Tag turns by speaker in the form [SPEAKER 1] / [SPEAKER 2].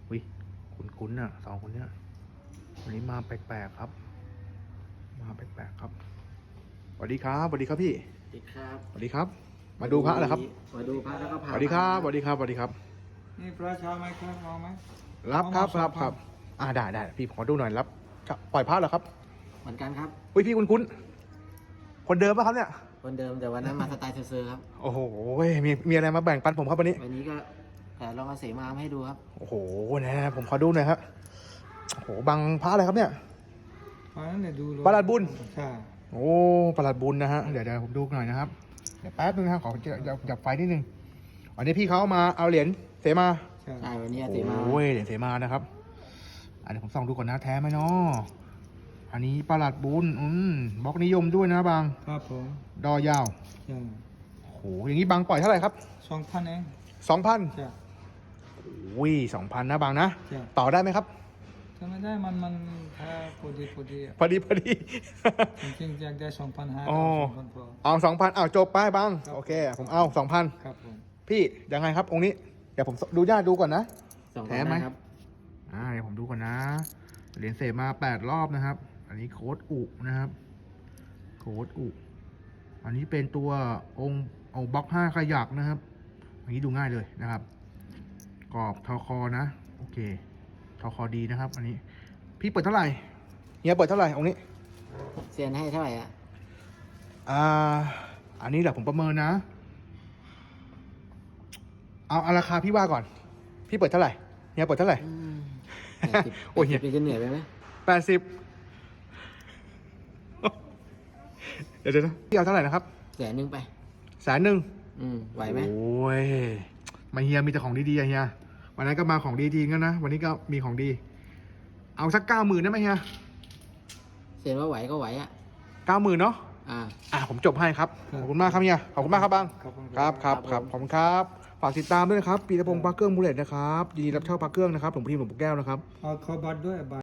[SPEAKER 1] วิคุ้นๆน่ะสองคนเนี้ยวันนี้มาแปลกๆครับมาแปลกๆครับสวัสดีครับสวัสดีครับพี่
[SPEAKER 2] สวัสดีครับ
[SPEAKER 1] สวัสดีครับ มาดูพระเหรอครับ
[SPEAKER 2] มาดูพระแล้วก็พา
[SPEAKER 1] สวัสดีครับสวัสดีครับสวัสดีครับ
[SPEAKER 3] นี่พระเช้าไหมครับเอาไหม
[SPEAKER 1] รับครับ
[SPEAKER 3] เอามา
[SPEAKER 1] รับครับได้พี่ขอดูหน่อยรับปล่อยพระเหรอครับ
[SPEAKER 2] เหมือนกันครับ
[SPEAKER 1] อุ้ยพี่คุ้นๆคนเดิมป่ะครับเนี่ย
[SPEAKER 2] คนเดิมแต่วันนั้นมาสไตล์เซอร์ๆครับ
[SPEAKER 1] โอ้โหมีอะไรมาแบ่งปันผมครับวันนี้
[SPEAKER 2] วันนี้ก็ลองเอาเสมามาให้ดูครับ
[SPEAKER 1] โอ้โหนะผมขอดูหน่อยครับโอ้โหบังพระอะไรครับเนี่ย
[SPEAKER 3] มานั่นเลยดูเลย
[SPEAKER 1] ประหลัดบุญ
[SPEAKER 3] ใช่
[SPEAKER 1] โอ้ประหลัดบุญนะฮะเดี๋ยวผมดูหน่อยนะครับเดี๋ยวแป๊บนึงนะครับขอจับไฟนิดนึงวันนี้พี่เขามาเอาเหรียญเสมา
[SPEAKER 3] ใช่
[SPEAKER 2] ใช่วันนี้เอาเสมา
[SPEAKER 1] โอ้ยเหรียญเสมานะครับอันนี้ผมส่องดูก่อนนะแท้ไหมเนาะอันนี้ประหลัดบุญบล็อกนิยมด้วยนะบาง
[SPEAKER 3] ครับผม
[SPEAKER 1] ดอยาว
[SPEAKER 3] ใช่
[SPEAKER 1] โอ้โหอย่างนี้บางปล่อยเท่าไหร่ครับ
[SPEAKER 3] 2,000เอง
[SPEAKER 1] 2,000
[SPEAKER 3] ใช่
[SPEAKER 1] โอ้ย2,000นะบางนะ
[SPEAKER 3] ใช่
[SPEAKER 1] ต่อได้ไหมครับ
[SPEAKER 3] ถ้าไม่ได้มันถ้าพอดีอะ
[SPEAKER 1] พอดี
[SPEAKER 3] จริงๆอยากได้2,500
[SPEAKER 1] อ๋อ
[SPEAKER 3] 2,000พอ
[SPEAKER 1] เอา2,000เอาจบไปบาง
[SPEAKER 3] ครับ
[SPEAKER 1] โอเคผมเอา2,000
[SPEAKER 3] ครับผม
[SPEAKER 1] พี่ยังไงครับองค์นี้เดี๋ยวผมดูญาติดูก่อนนะ
[SPEAKER 2] สอง
[SPEAKER 1] แท้
[SPEAKER 2] พัน
[SPEAKER 1] ไหม
[SPEAKER 2] ครับ
[SPEAKER 1] เดี๋ยวผมดูก่อนนะเหรียญเสมา8 รอบนะครับ อันนี้โค้ดอุนะครับโค้ดอุอันนี้เป็นตัวองค์บล็อก5ขยักนะครับอันนี้ดูง่ายเลยนะครับกรอบทอคอนะโอเคทอคอดีนะครับ อันนี้พี่เปิดเท่าไหร่เฮียเปิดเท่าไหร่องค์นี้
[SPEAKER 2] เซียนให้เท่าไหร่อ่ะ
[SPEAKER 1] อันนี้แหละผมประเมินนะเอาราคาพี่ว่าก่อนพี่เปิดเท่าไหร่เฮียเปิดเท่าไหร่ โอ้ย
[SPEAKER 2] 80จะเหนื่อยไปไหม
[SPEAKER 1] 80เดี๋ยวนะพี่เอาเท่าไหร่นะครับ
[SPEAKER 2] 100,000ไป
[SPEAKER 1] 100,000
[SPEAKER 2] ไหวไหม
[SPEAKER 1] โอ้ยมาเฮียมีแต่ของดีๆอะเฮียวันนั้นก็มาของดีจริงกันนะวันนี้ก็มีของดี เอาสัก90,000ได้ไหมเฮีย
[SPEAKER 2] เซียนว่าไหวก็ไหวอ่ะ
[SPEAKER 1] 90,000เนาะผมจบให้ครับขอบคุณมากครับเฮียขอบคุณมากครับบัง
[SPEAKER 3] ขอบคุณ
[SPEAKER 1] ครับขอบคุณครับฝากติดตามด้วยนะครับปีตะพงษ์พระเครื่องมูเลตนะครับยินดีรับเช่าพระเครื่องนะครับหลวงพี่หลวงปู่แก้วนะครับ
[SPEAKER 3] เอาขอบัตรด้วยบัตร